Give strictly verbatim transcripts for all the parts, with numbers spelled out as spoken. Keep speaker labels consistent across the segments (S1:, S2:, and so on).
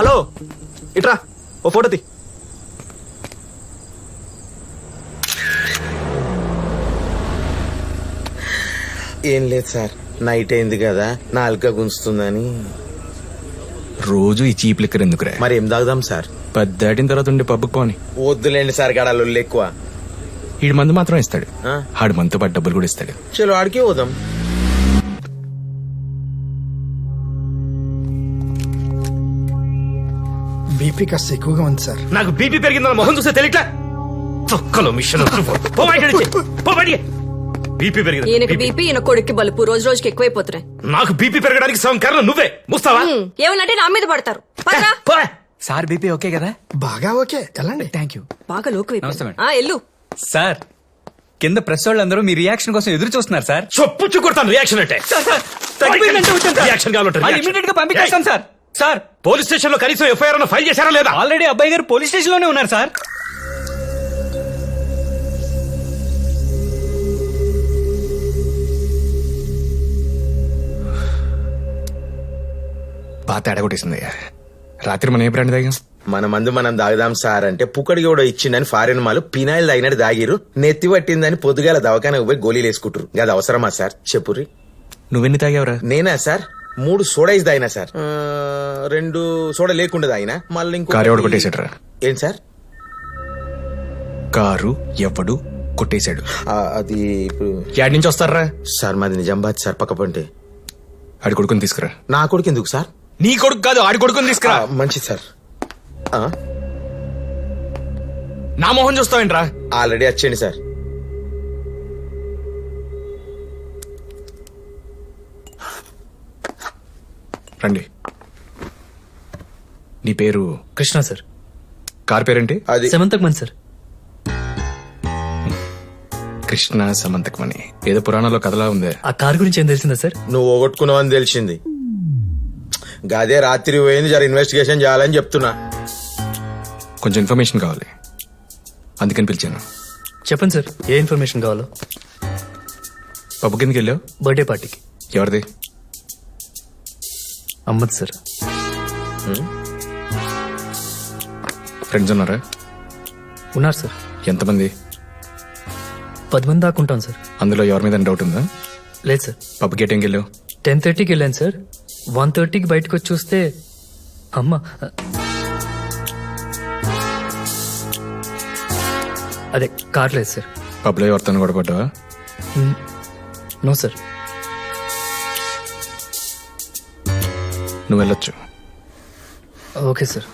S1: Hello ఇట్రా ఓ photo తీ.
S2: ఏం లేదు సార్, నైట్ అయింది కదా నాలుక గుంజుతుందని.
S3: రోజు ఈ చీప్ లిక్కర్ ఎందుకురా?
S2: మరి ఏం తాగుదాం సార్?
S3: పది దాటిన తర్వాత ఉండే పబ్బుకి పోని.
S2: వద్దులేండి సార్, గడాలు ఎక్కువ.
S3: ఈడు మందు మాత్రం ఇస్తాడు,
S2: ఆ?
S3: ఆడు మనతో పాటు డబ్బులు కూడా ఇస్తాడు.
S2: చలో ఆడికి పోదాం.
S4: బీపీ కాస్త ఎక్కువగా ఉంది సార్.
S1: నాకు బీపీ పెరిగిందన్న మొహం చూస్తే తెలియట్లా. తొక్కలో మిషన్ బీపీ పెరిగింది.
S5: ఈయనకి బీపీ, ఈయన కొడుక్కి బలుపు రోజు రోజుకి ఎక్కువైపోతున్నాయి.
S1: నాకు బీపీ పెరగడానికి సగం కారణం నువ్వే. ముస్తావా?
S5: ఏమనంటే నా మీద పడతారు. పదరా.
S6: సార్ బీపీ ఓకే కదా?
S4: బాగా ఓకే, వెళ్ళండి.
S6: Thank you.
S5: బాగా లోకు
S6: నమస్తే మేడం.
S5: ఎల్లు.
S6: సార్ కింద ప్రెస్ వాళ్ళందరూ మీ రియాక్షన్ కోసం ఎదురు చూస్తున్నారు సార్.
S1: చొప్పుచ్చు కొడతాను రియాక్షన్ అంటే. రియాక్షన్ కావాలంటే
S6: ఇమీడియట్ గా పంపించేస్తాం సార్. సార్
S1: పోలీస్ స్టేషన్ లో కనీసం ఎఫ్ఐఆర్ ఫైల్ చేశారా లేదా?
S6: ఆల్రెడీ అబ్బాయి గారు పోలీస్ స్టేషన్ లోనే ఉన్నారు సార్.
S3: బాగా తేడా కొట్టేసింది. రాత్రి మనం ఏ బ్రాండ్ తాగాం?
S2: మన మందు మనం తాగుదాం సార్ అంటే పుక్కడికి కూడా ఇచ్చిండని ఫారెన్ మాలు పినాయిల్ తాగినట్టు తాగిరు. నెత్తి పట్టిందని పొద్దుగాల దవాఖానకు పోయి గోళీలు వేసుకుంటారు. అది అవసరమా సార్ చెప్పుర్రి?
S3: నువ్వెన్ని తాగావురా?
S2: నేనా సార్ మూడు సోడాయిస్ తాగినా సార్. ఆ, రెండు సోడా లేకుండా తాగినా. మళ్ళీ ఇంకో
S3: కారు ఎవడు కొట్టేశాడురా?
S2: ఏం సార్?
S3: కారు ఎవడు కొట్టేశాడు?
S2: ఆ, అది ఇప్పుడు
S3: యాడ్ నుంచి వస్తారా?
S2: సార్ మాది నిజామాబాద్ సార్, పక్క పంటే.
S3: ఆడి కొడుకుని తీసుకురా.
S2: నా కొడుకు ఎందుకు సార్?
S3: నీ కొడుకు కాదు, ఆడి కొడుకుని తీసుకురా.
S2: ఆ, మంచిది సార్. ఆ,
S3: నా మొహం చూస్తావేంట్రా?
S2: ఆల్రెడీ వచ్చేయండి సార్.
S3: రండి. నీ పేరు?
S7: కృష్ణ సార్.
S3: కార్ పేరేంటి?
S2: అది
S7: సెమంతకమన్ సార్.
S3: కృష్ణ సమంతకమని ఏదో పురాణంలో కథలా ఉంది.
S7: ఆ కార్ గురించి ఏం తెలిసిందా సార్?
S2: నువ్వు పోగొట్టుకున్నావని తెలిసింది. గదే రాత్రి పోయింది, జర ఇన్వెస్టిగేషన్ చేయాలని చెప్తున్నా.
S3: కొంచెం ఇన్ఫర్మేషన్ కావాలి, అందుకని పిలిచాను.
S7: చెప్పండి సార్, ఏ ఇన్ఫర్మేషన్ కావాలో.
S3: పబ్బు కిందకి వెళ్ళావు?
S7: బర్త్డే పార్టీకి.
S3: ఎవరిది?
S7: అమ్మద్ సార్.
S3: ఫ్రెండ్స్ ఉన్నారా?
S7: ఉన్నారు సార్.
S3: ఎంతమంది?
S7: పది మంది దాకా ఉంటాం సార్.
S3: అందులో ఎవరి మీద డౌట్ ఉందా?
S7: లేదు సార్.
S3: పబ్కి ఏ టైంకి వెళ్ళావు?
S7: టెన్ థర్టీకి వెళ్ళాను సార్. వన్ థర్టీకి బయటకు వచ్చి చూస్తే అమ్మ. అదే కార్ లేదు సార్.
S3: పబ్లో ఎవరితో కూడా పడ్డావా?
S7: No sir.
S3: నువ్వు వెళ్ళొచ్చు.
S7: Okay sir.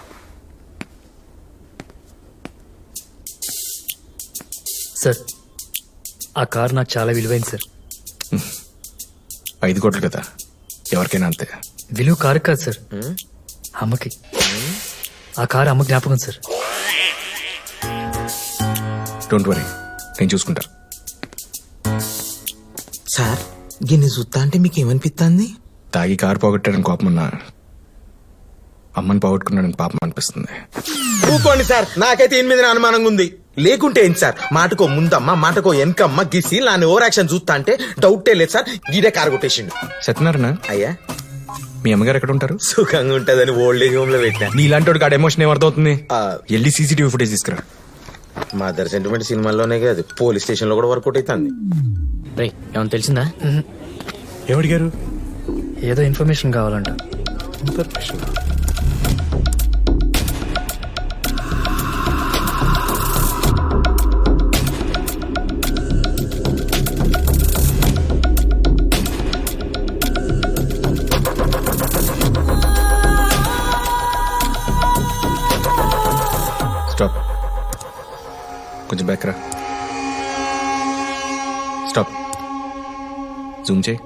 S7: సార్ ఆ కార్ నాకు చాలా విలువైంది సార్.
S3: ఐదు కోట్లు కదా, ఎవరికైనా అంతే.
S7: విలువ కారు కాదు సార్, అమ్మకి. ఆ కారు అమ్మ జ్ఞాపకం సార్.
S3: డోంట్ వరీ, నేను చూసుకుంటా.
S2: సార్ గిన్నె చూస్తా అంటే మీకు ఏమనిపిస్తుంది?
S3: తాగి కారు పోగొట్టాడని కోపం ఉన్నా, అమ్మని పోగొట్టుకున్నాడని పాపం అనిపిస్తుంది.
S2: ఊకోండి సార్, నాకైతే ఈయన మీద అనుమానంగా ఉంది. లేకుంటే ఏంటి సార్, మాటకో ముందమ్మ మాటకో వెనకమ్మ గిసి నాన్న ఓవర్ యాక్షన్ చూస్తా అంటే డౌటే లేదు సార్. గీడే కారు కొట్టేసిండు.
S3: సత్యనారాయణ,
S2: అయ్యా
S3: మీ అమ్మగారు ఎక్కడ ఉంటారు?
S2: సుఖంగా ఉంటదని ఓల్డ్ ఏజ్ హోమ్ లో పెట్టా.
S3: నీలాంటి వాడికి ఆడ ఎమోషన్ ఏమర్థమవుతుంది?
S2: ఆ,
S3: వెళ్ళి సీసీటీవీ ఫుటేజ్ తీసుకురా.
S2: మదర్ సెంటిమెంట్ సినిమాల్లోనే కాదు, పోలీస్ స్టేషన్ లో కూడా వర్కౌట్ అవుతుంది.
S7: ఏమన్నా తెలిసిందా?
S3: ఎవడిగారు?
S7: ఏదో ఇన్ఫర్మేషన్ కావాలంట.
S3: ఇన్ఫర్మేషన్? స్టాప్, కొంచెం బ్యాక్ రా. స్టాప్, జూమ్ చేయి.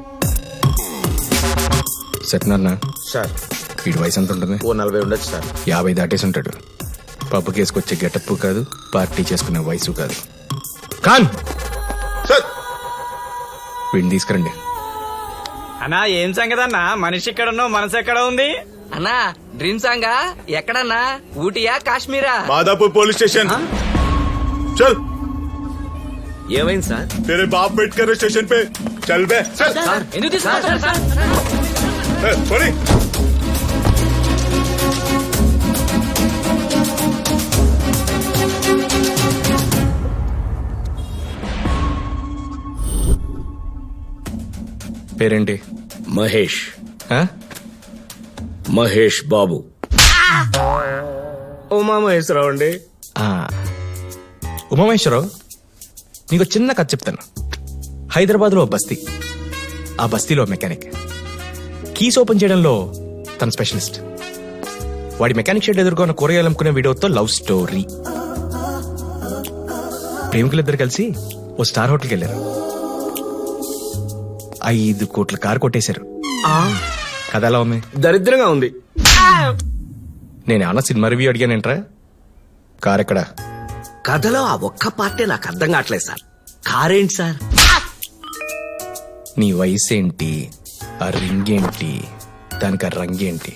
S3: సత్యనారాయణ
S2: సార్
S3: వీడి వయసు ఎంత ఉంటుంది?
S2: ఓ నలభై ఉండొచ్చు సార్.
S3: యాభై దాటేసి ఉంటాడు. పబ్బు కేసుకొచ్చే గెటప్ కాదు, పార్టీ చేసుకునే వయసు కాదు. ఖాన్
S2: సార్
S3: వీడిని తీసుకురండి.
S6: అన్నా ఏం సంగతి అన్నా, మనిషి ఎక్కడ ఉన్నావు మనసు ఎక్కడ ఉంది?
S8: అన్నా డ్రీమ్ సాంగా ఎక్కడన్నా? ఊటీయా కాశ్మీరా?
S9: माधापुर पुलिस स्टेशन चल।
S1: ఏమైంది సార్?
S9: तेरे बाप वेट कर रहे स्टेशन पे, चल बे चल।
S8: ఎందుకు తీసుకున్నారు సార్?
S9: ए, छोड़ी।
S3: పేరేంటి?
S1: మహేష్
S3: ఆ?
S1: మహేష్ బాబు. ఉమామహేశ్వరరావు అండి.
S3: ఆ. ఉమామేశ్వరరావు, నీకు చిన్న కథ చెప్తాను. హైదరాబాద్లో ఓ బస్తీ, ఆ బస్తీలో మెకానిక్. కీస్ ఓపెన్ చేయడంలో తన స్పెషలిస్ట్. వాడి మెకానిక్ షెడ్ ఎదుర్కొన్న కూరగాయలు అమ్ముకునే వీడియోతో లవ్ స్టోరీ. ప్రేమికులిద్దరు కలిసి ఓ స్టార్ హోటల్కి వెళ్ళారు. ఐదు కోట్ల కారు కొట్టేశారు. కథ ఎలా ఉంది?
S1: దరిద్రంగా ఉంది.
S3: నేను ఏమన్నా సినిమా రివ్యూ అడిగానేంట్రా? కార్ ఎక్కడా?
S1: కథలో ఆ ఒక్క పార్టీ నాకు అర్థం కావట్లేదు సార్. కారేంటి సార్?
S3: నీ వయసు ఏంటి, ఆ రింగ్ ఏంటి, దానికి ఆ రంగేంటి?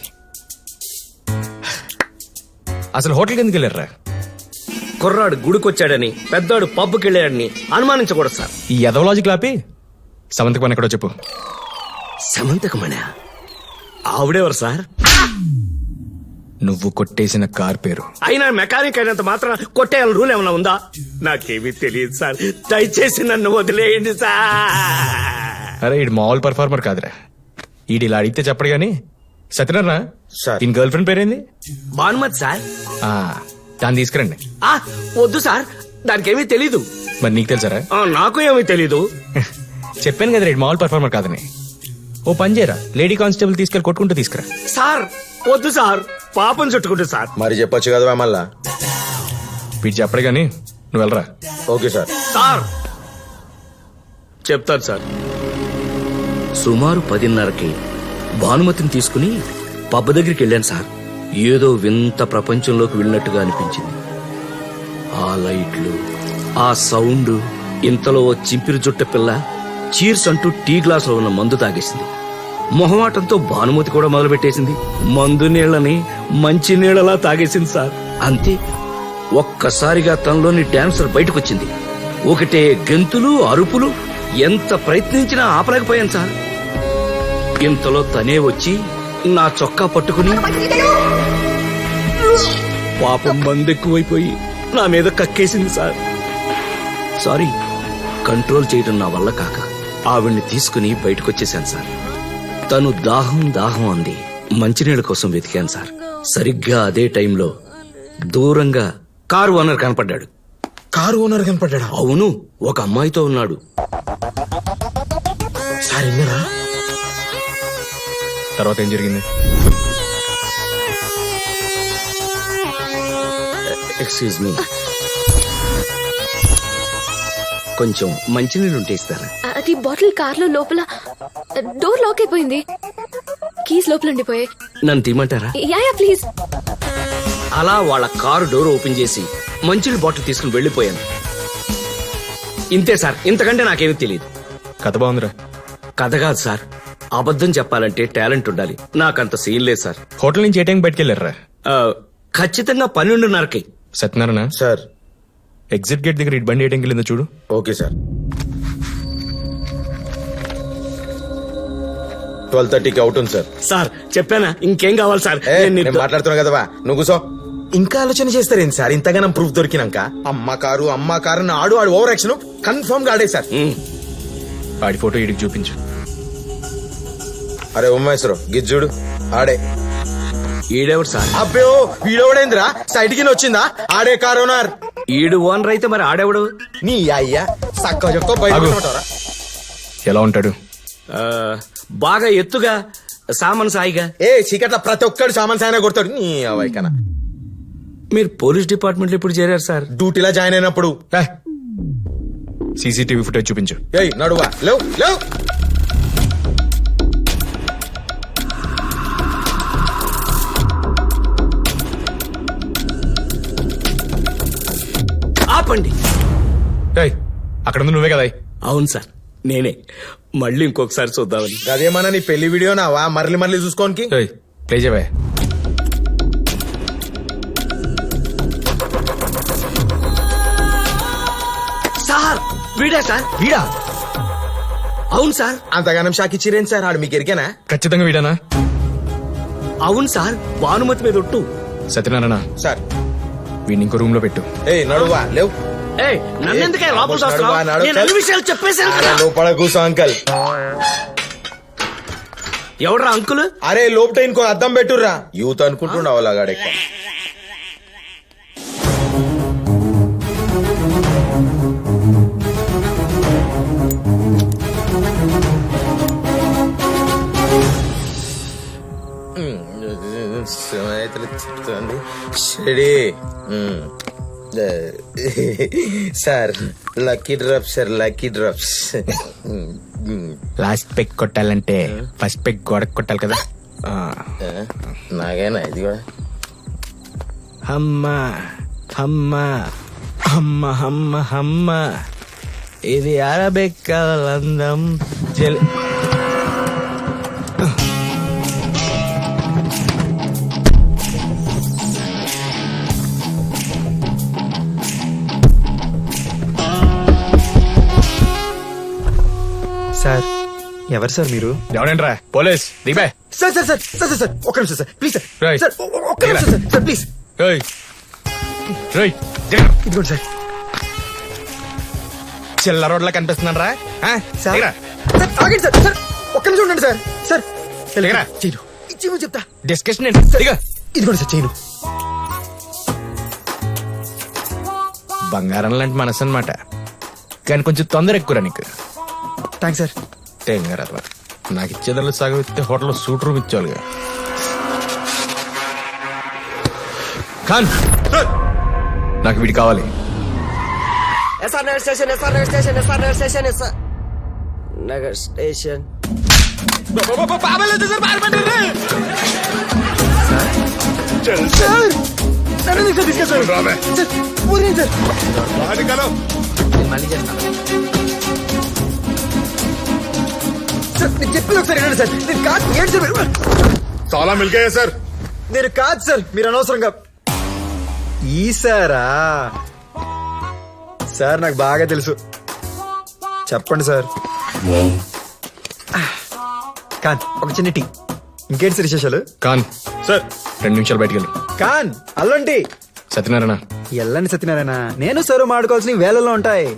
S3: అసలు హోటల్కి ఎందుకు వెళ్ళారా?
S1: కుర్రాడు గుడికొచ్చాడని, పెద్దోడు పబ్కి వెళ్ళాడని అనుమానించకూడదు సార్.
S3: ఈ ఎదవలాజిక్ లాపి సమంతకు పని ఎక్కడో చెప్పు.
S1: సమంతకమణి ఆవిడెవరు సార్?
S3: నువ్వు కొట్టేసిన కార్ పేరు.
S1: అయినా మెకానిక్ అయినంత మాత్రం కొట్టేయాలని రూల్ ఏమైనా ఉందా? నాకేమీ తెలియదు సార్. దయచేసి నన్ను వదిలేయండి సార్.
S3: అరే ఈడు మామూలు పర్ఫార్మర్ కాదురా. ఈడు ఇలా అడిగితే చెప్పడు గాని. సత్యనారాయణ,
S2: సార్.
S3: ఈయన గర్ల్ ఫ్రెండ్ పేరేంది?
S1: భానుమతి సార్.
S3: ఆ, దాన్ని తీసుకురండి.
S1: ఆ, వద్దు సార్, దానికేమీ తెలీదు.
S3: మరి నీకు తెలుసారా?
S1: ఆ, నాకు ఏమీ తెలీదు.
S3: చెప్పాను కదా రేడు మామూలు పర్ఫార్మర్ కాదని. ఓ పని చేయరా, లేడీ కానిస్టేబుల్ తీసుకెళ్ళి కొట్టుకుంటూ తీసుకురా.
S1: సార్ వద్దు సార్, పాపం చుట్టుకుంటు సార్.
S2: మరి చెప్పొచ్చు కదా మళ్ళా.
S3: వీడు చెప్పడు గాని నువ్వు వెళ్ళరా.
S2: Okay sir.
S1: సార్ చెప్తాను సార్. సుమారు పదిన్నరకి భానుమతిని తీసుకుని పబ్బ దగ్గరికి వెళ్ళాను సార్. ఏదో వింత ప్రపంచంలోకి వెళ్ళినట్టుగా అనిపించింది. ఆ లైట్లు, ఆ సౌండ్. ఇంతలో ఓ చింపిరి జుట్ట పిల్ల చీర్స్ అంటూ టీ గ్లాసులో ఉన్న మందు తాగేసింది. మొహమాటంతో భానుమతి కూడా మొదలుపెట్టేసింది. మందు నీళ్లని మంచి నీళ్లలా తాగేసింది సార్. అంతే, ఒక్కసారిగా తనలోని డాన్సర్ బయటకొచ్చింది. ఒకటే గెంతులు, అరుపులు. ఎంత ప్రయత్నించినా ఆపలేకపోయాను సార్. ఇంతలో తనే వచ్చి నా చొక్కా పట్టుకుని పాపం మందెక్కువైపోయి నా మీద కక్కేసింది సార్. సారీ, కంట్రోల్ చేయడం నా వల్ల కాక ఆవిడ్ని తీసుకుని బయటకొచ్చేశాను సార్. తను దాహం దాహం అంది. మంచినీళ్ళ కోసం వెతికాను సార్. సరిగ్గా అదే టైంలో దూరంగా కారు ఓనర్ కనపడ్డాడు.
S2: కారు ఓనర్ కనపడ్డా?
S1: అవును, ఒక అమ్మాయితో ఉన్నాడు.
S2: సార్ విన్నారా?
S3: తర్వాత ఏం జరిగింది?
S1: ఎక్స్క్యూజ్ మీ, కొంచెం మంచినీళ్ళు ఉంటే ఇస్తారా?
S5: అది బాటిల్ కార్ లో లోపల డోర్ లాక్ అయిపోయింది. కీస్ లోపల ఉండిపోయాయి.
S1: నన్ను తీయమంటారా?
S5: Yeah yeah please.
S1: అలా వాళ్ళ కారు డోర్ ఓపెన్ చేసి మంచినీళ్ళ బాటిల్ తీసుకుని వెళ్లిపోయాను. ఇంతే సార్, ఇంతకంటే నాకేమీ తెలియదు.
S3: కథ బాగుందిరా.
S1: కథ కాదు సార్, అబద్ధం చెప్పాలంటే టాలెంట్ ఉండాలి. నాకంత సీన్ లేదు సార్.
S3: హోటల్ నుంచి ఏ టైం బయటకు వెళ్ళారా?
S1: ఆ, ఖచ్చితంగా పన్నెండున్నరకి.
S3: సత్యనారాయణ,
S2: సార్.
S3: ఎగ్జిట్ గేట్ దగ్గర ఇటు బండి ఏ టైంకి వెళ్ళిందో చూడు.
S2: Okay sir. ట్వెల్వ్ థర్టీకి అవుట్ ఉంది సార్.
S1: సార్ చెప్పానా, ఇంకేం కావాలి సార్?
S2: ఏ,
S1: నేను
S2: నేను
S1: నీతో-
S2: మాట్లాడుతున్నా కదవా, నువ్వు కూసో. ఇంకా ఆలోచన చేస్తారేంటి సార్? ఇంతగానం ప్రూఫ్ దొరికినాక అమ్మ కారు అమ్మ కారు అని ఆడు ఆడు ఓవర్ యాక్షన్ కన్ఫర్మ్ గా ఆడే సార్.
S1: ఉమ్,
S3: ఆడి ఫోటో ఇడికి చూపించు.
S2: అరే ఉమ్మేశ్వరం గిజ్జుడు ఆడే.
S1: ఈడెవడు సార్?
S2: అబ్బే వీడోడేంద్రా సైడ్ కి వచ్చిందా? ఆడే కారు ఓనర్.
S1: ఈడు ఓనర్ అయితే మరి ఆడెవడు?
S2: నీ అయ్యా సక్క చెప్తా బయట
S3: ఆగు.
S2: ఉంటారా?
S3: ఎలా ఉంటాడు?
S1: ఆ, బాగా ఎత్తుగా, సామాన్ సాయిగా.
S2: ఏ చీకట్ల ప్రతి ఒక్కడు సామాన్ సాయన కొడతాడు. నీ అవైకనా
S1: మీరు పోలీస్ డిపార్ట్మెంట్ లో ఇప్పుడు చేరారు సార్?
S2: డ్యూటీలో జాయిన్ అయినప్పుడు.
S3: సీసీటీవీ ఫుటేజ్ చూపించు.
S2: ఏయ్ నడువా, లేవు లేవు.
S1: ఆపండి.
S3: ఏయ్, అక్కడ ఉంది నువ్వే కదా.
S1: అవును సార్, నేనే. మళ్ళీ ఇంకొకసారి చూద్దామని.
S2: అదేమన్నా నీ పెళ్లి వీడియో నావా మరలి మరలి చూసుకోనికి?
S3: ఏయ్, ప్లే చేయవే.
S1: సార్ వీడా సార్?
S3: వీడా?
S1: అవును సార్.
S2: అంతగానం షాక్ ఇచ్చిరేంటి సార్? ఆడు మీకు ఎరికేనా?
S3: ఖచ్చితంగా వీడానా?
S1: అవును సార్, భానుమతి మీద ఒట్టు.
S3: సత్యనారాయణ
S2: సార్
S3: వీడిని ఇంకో రూమ్ లో పెట్టు.
S2: ఏ నడువా లేవు
S1: ఏయ్, నన్నెందుకే లోపల
S2: నడు,
S1: చూస్తున్నావ్?
S2: నడు, నడు,
S1: నేను అన్ని
S2: చల్.
S1: విషయాలు చెప్పేశాను
S2: అరే,
S1: కదా.
S2: లోపల కూర్చో అంకల్.
S1: ఎవడ్రా అంకుల్?
S2: అరే లోపట ఇంకో అద్దం పెట్టుర్రా. యూత్ అనుకుంటుండవు అలాగాడు ఎక్కువ. సుమేతలు చెప్తుంది షడి. మ్మ్. Sir lucky drops sir, lucky drops.
S3: Last peg కొట్టాలంటే ఫస్ట్ పెగ్ గోడకు కొట్టాలి కదా. ఆ.
S2: నాగేనా ఇది కూడా?
S3: హమ్మ హమ్మ హమ్మ హమ్మ హమ్మ ఇది అరబెక్కలందం జల్
S10: సార్ ఎవరు సార్ మీరు?
S3: ఎవడంట్రా? పోలీస్ దిగే.
S10: Sir sir sir sir sir sir ఒక్క నిమిషం sir please sir
S3: right.
S10: Sir ఒ- ఒక్క నిమిషం సార్ సార్ ప్లీజ్
S3: ఏయ్ రేయ్
S10: ఇదిగోండి సార్.
S3: చిల్లర రోడ్లా కనిపిస్తున్నాను రా.
S10: సార్ సార్ ఆగండి సార్ సార్ ఒక్క నిమిషం ఉండండి సార్ సార్
S3: లేరా.
S10: చేయను ఇచ్చేమని చెప్తా.
S3: డిస్కషన్ ఏంటి? దిగ.
S10: ఇదిగోండి సార్ చేయను.
S3: బంగారం లాంటి మనసు అనమాట, కానీ కొంచెం తొందర ఎక్కువరా నీకు.
S10: Thanks sir.
S3: తెంగరా నాకు ఇచ్చేదాన్ని సగం ఇస్తే హోటల్లో సూట్ రూమ్ ఇచ్చేవాళ్ళుగా. ఖాన్ నాకు వీడి కావాలి.
S8: S R Nagar station S R Nagar station S R Nagar station S R Nagar station.
S9: చల్
S10: సార్ నన్ను ఎందుకు సార్ తీసుకెళ్తారు?
S9: రావే.
S10: సార్ ఊరేంటి సార్?
S9: బాగా నికాలో.
S8: మళ్ళీ చేస్తాను.
S10: సార్ నేను చెప్పేది ఒకసారి వినండి సార్. నేను కాదు ఏంటి సార్ మీరు?
S9: తాళా మిల్ గయా సార్.
S10: నేను కాదు సార్, మీరు అనవసరంగా ఈ సారా సార్ నాకు బాగా తెలుసు. చెప్పండి సార్. కాన్ ఒక చిన్న టీ. ఇంకేంటి సార్ విశేషాలు?
S3: ఖాన్
S9: సార్
S3: రెండు నిమిషాలు బయటికి వెళ్ళు.
S10: కాన్ అల్లండి.
S3: సత్యనారాయణ
S10: ఎల్లండి సత్యనారాయణ. నేను సార్ మాడుకోవాల్సిన వేళల్లో ఉంటాయి.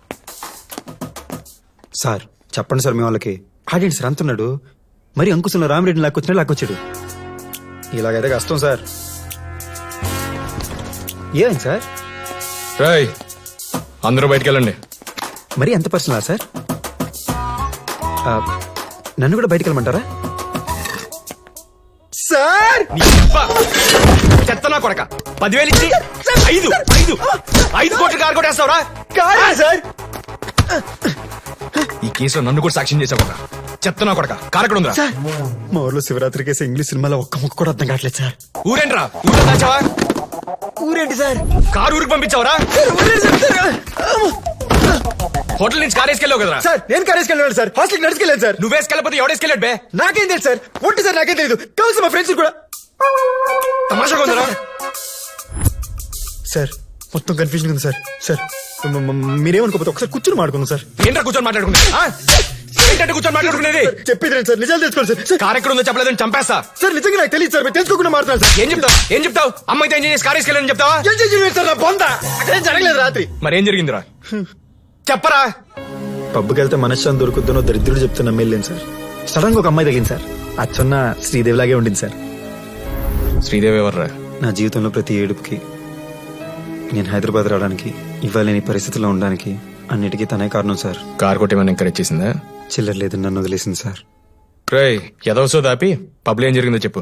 S10: సార్ చెప్పండి సార్ మీ వాళ్ళకి. ఆడేంటి సార్ అంటున్నాడు. మరి అంకుశంలో రామిరెడ్డిని లాక్కొచ్చినా లాక్కొచ్చాడు. ఇలాగైతే కష్టం సార్. ఏమైంది సార్?
S3: రాయ్ అందరూ బయటికి వెళ్ళండి.
S10: మరి ఎంత పర్సనలా సార్? ఆ, నన్ను కూడా బయటికి వెళ్ళమంటారా సార్?
S3: చెత్తనా కొడక పదివేలు ఇచ్చి ఐదు ఐదు ఐదు కోట్లు కారు కొట్టేస్తావురా?
S10: కాదా సార్?
S3: ఈ కేసులో నన్ను కూడా సాక్ష్యం చేసావు. చెత్తనా కొడక కారు ఎక్కడ ఉందా?
S10: సార్ మా ఊర్లో శివరాత్రి కేసు ఇంగ్లీష్ సినిమాలో ఒక్క ముక్క కూడా అర్థం కావట్లేదు సార్.
S3: ఊరేంట్రా? ఊళ్ళో దాచావా?
S10: ఊరేంటి సార్?
S3: కారు ఊరికి పంపించావరా? హోటల్ నుంచి కారు వేసుకెళ్ళావు కదరా?
S10: సార్ నేను కారేసుకెళ్ళాను సార్. హాస్టల్కి నడుచుకెళ్ళాను సార్.
S3: నువ్వు వేసుకెళ్ళకపోతే ఎవడేసుకెళ్ళాడు బే?
S10: నాకేం తెలుసు సార్. ఒంటి సార్ నాకేం తెలియదు. కావచ్చు మా ఫ్రెండ్స్ కూడా.
S3: తమాషా కొందరా?
S10: సార్ మొత్తం కన్ఫ్యూజన్ ఉంది సార్. సార్ మ- మ- మీరేమనుకోకపోతే ఒకసారి కూర్చొని మాడుకుందాం సార్.
S3: ఏంట్రా కూర్చొని మాట్లాడుకునేది? ఆ? ఏంటంటే కూర్చొని మాట్లాడుకునేది?
S10: చెప్పేది రండి సార్. నిజాలు తెలుసుకోండి సార్. సార్
S3: కారు ఎక్కడ ఉందో చెప్పలేదని చంపేస్తా.
S10: సార్ నిజంగా నాకు తెలియదు సార్. మీరు తెలుసుకోకుండా మాట్లాడాలి సార్.
S3: ఏం చెప్తావు? ఏం చెప్తావు? అమ్మాయితో ఏం చేసి కారు వేసుకెళ్ళని చెప్తావా?
S10: ఏం చేసి సార్ నా బొంద అక్కడేం జరగలేదు రాత్రి.
S3: మరేం జరిగిందిరా? చెప్పరా?
S10: పబ్కి వెళ్తే మనశ్శాంతి దొరుకుద్దనో దరిద్రుడు చెప్తే నమ్మేళ్ళేను సార్. సడన్ గా ఒక అమ్మాయి తగిలింది సార్. అచ్చన్న శ్రీదేవి లాగే ఉండింది సార్.
S3: శ్రీదేవి ఎవర్రా?
S10: నా జీవితంలో ప్రతి ఏడుపుకి, నేను హైదరాబాద్ రావడానికి, ఇవాళ నేను ఈ పరిస్థితిలో ఉండడానికి అన్నిటికీ తనే కారణం సార్.
S3: కారు కొట్టేమని ఎంకరేజ్ చేసిందా?
S10: చిల్లర లేదు నన్ను వదిలేసింది సార్.
S3: రేయ్ ఎదవసో దాపి పబ్లో ఏం జరిగిందో చెప్పు.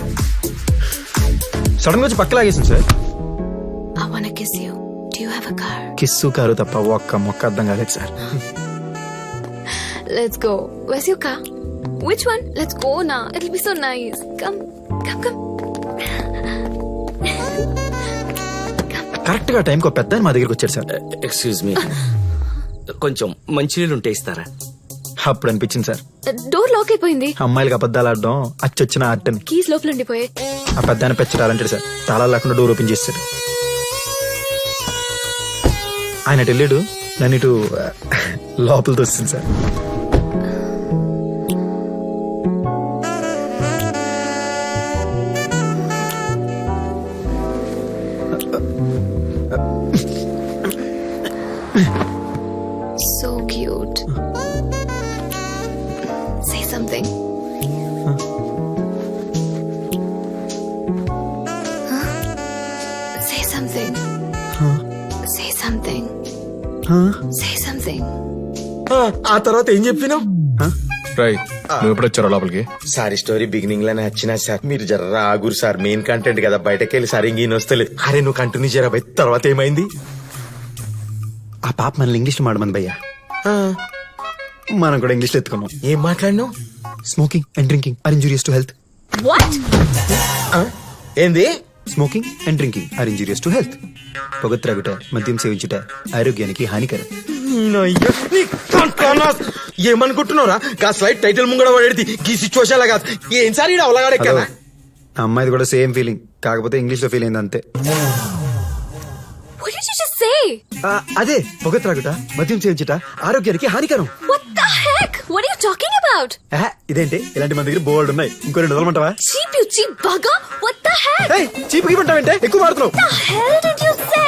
S10: సడన్ గా వచ్చి పక్క లాగేసింది sir.
S5: I wanna kiss you. Do you have a car?
S10: Kiss car తప్ప ఒక్క మొక్క అర్థం కాలేదు sir.
S5: Let's go. Where's your car? Which one? Let's go now. It'll be so nice. Come, come, come.
S10: Correct గా టైంకి ఒక పెద్ద మా దగ్గరికి వచ్చాడు సార్.
S1: ఎక్స్క్యూజ్ మీ, కొంచెం మంచినీళ్ళు ఉంటే ఇస్తారా?
S10: అప్పుడు అనిపించింది సార్,
S5: డోర్ లాక్ అయిపోయింది.
S10: అమ్మాయిలకి అబద్ధాలు ఆడడం అచ్చొచ్చిన ఆర్ట్ అని.
S5: కీస్ లోపల ఉండిపోయాయి.
S10: ఆ పెద్ద ఆయన పెచ్చడాలంటాడు సార్. తాళాలు లేకుండా డోర్ ఓపెన్ చేస్తాడు. ఆయన అటు వెళ్ళాడు, నన్ను ఇటు లోపలితో వస్తుంది sir.
S5: something. Huh? Say something. Say something. Say something.
S2: ఆ, ఆ తర్వాత ఏం చెప్పినావు?
S3: రై నువ్వు ఎప్పుడు వచ్చారో లోపలికి?
S2: సారీ స్టోరీ బిగినింగ్ లోనే వచ్చినా సార్, మీరు జర్ర ఆగురు సార్, మెయిన్ కంటెంట్ కదా, బయటకి వెళ్ళి సార్ ఇంకేం వస్తలేదు. అరే నువ్వు కంటిన్యూ చేయరా భయ్. తర్వాత ఏమైంది?
S10: ఆ పాప మనల్ని ఇంగ్లీష్ లో మాడమంది భయ్యా. మనం కూడా ఇంగ్లీష్ లో ఎత్తుకున్నాం.
S2: ఏం మాట్లాడినావు?
S10: Smoking and drinking are injurious to health.
S5: What?
S2: ఏంది?
S10: Smoking and drinking are injurious to health. పొగ త్రాగుట, మద్యం సేవించుట ఆరోగ్యానికి హానికరం.
S2: ఏమనుకుంటున్నారా? గా స్లైడ్ టైటిల్ ముంగడ పడేది ఈ సిచ్యువేషన్ లా కాదు. ఏం సార్ ఈడ అవలగాడే కదా.
S10: ఆ అమ్మాయిది కూడా సేమ్ ఫీలింగ్, కాకపోతే ఇంగ్లీష్ లో ఫీల్ అయింది అంతే.
S5: What did you just say?
S10: ఆ, అదే పొగ త్రాగుట, మద్యం సేవించుట ఆరోగ్యానికి హానికరం.
S5: What the heck? What are you talking about?
S10: ఆహా, ఇదేంటి ఇలాంటి మన దగ్గర బోర్డు ఉన్నాయి, ఇంకో రెండు వదలమంటావా?
S5: Cheap, you cheap bugger! What the heck?
S10: ఏయ్, చీప్ ఇవ్వంటావంటే ఎక్కువ మాడుతున్నావు.
S5: What the hell did you say?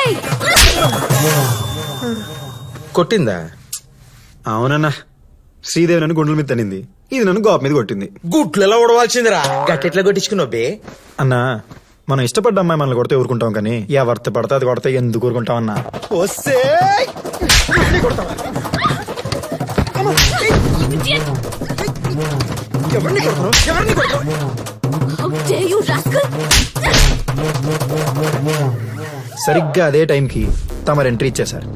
S2: కొట్టిందా?
S10: అవునన్నా, శ్రీదేవి నన్ను గుండెల మీద తనింది, ఇది నన్ను గోప మీద కొట్టింది.
S2: గుట్లలో ఉడవాల్సిందిరా. గట్టెట్లా కొట్టించుకున్నావు బే?
S10: అన్నా, మనం ఇష్టపడ్డ అమ్మాయి మనల్ని కొడితే ఊరుకుంటాం, కానీ ఎవరితో పడితే అది కొడితే ఎందుకు ఊరుకుంటాం అన్నా? వస్తే ఎవరిని కొడతావు? ఎవరిని కొడతావు?
S5: How dare you, rascal!
S10: సరిగ్గా అదే టైంకి తమరు ఎంట్రీ ఇచ్చేశారు.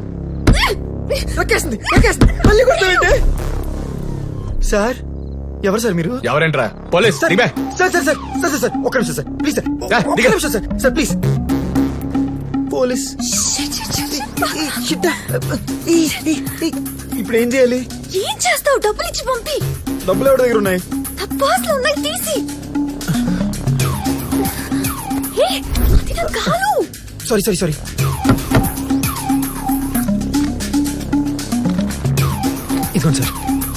S10: సార్, ఎవరు సార్ మీరు?
S3: ఎవరేంట్రా? పోలీస్
S10: సార్
S3: దిగే.
S10: Sir sir sir sir sir sir ఒక్క నిమిషం సార్, ప్లీజ్ సార్,
S3: రా,
S10: ఒక్క
S3: దిగు.
S10: నిమిషం సార్, సార్ ప్లీజ్. పోలీస్. ఇప్పుడు ఏం చేయాలి?
S5: ఏం చేస్తావు? డబ్బులు ఇచ్చి పంపి.
S10: డబ్బులు ఎవరి దగ్గర ఉన్నాయి?
S5: తప్పాస్లు ఉన్నాయి, తీసి. ఏ, అది నా కాలు.
S10: Sorry sorry sorry. ఇదిగోండి సార్.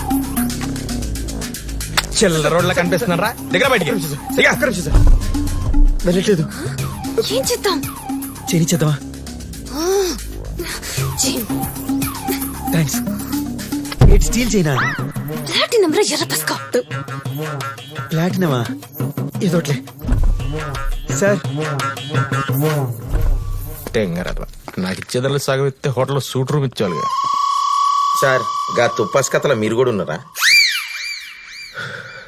S3: చిల్లర రోడ్ల కనిపిస్తున్నారా? దగ్గర బయటికి దిగా.
S10: ఒక్క నిమిషం సార్, వెళ్ళట్లేదు.
S5: ఏం చేద్దాం?
S10: చేయించేద్దామా? Thanks. Eight steel china.
S5: Platinum రా, ఎర్ర పస్కా.
S10: ప్లాటినమా? ఏదోట్లే సార్.
S3: టెంగరద్వా. నాకు ఇచ్చేదాన్ని సగం ఇస్తే హోటల్లో సూట్ రూమ్ ఇచ్చేవాళ్ళుగా.
S2: సార్ గా తుప్పాస్ కథలో మీరు కూడా ఉన్నారా?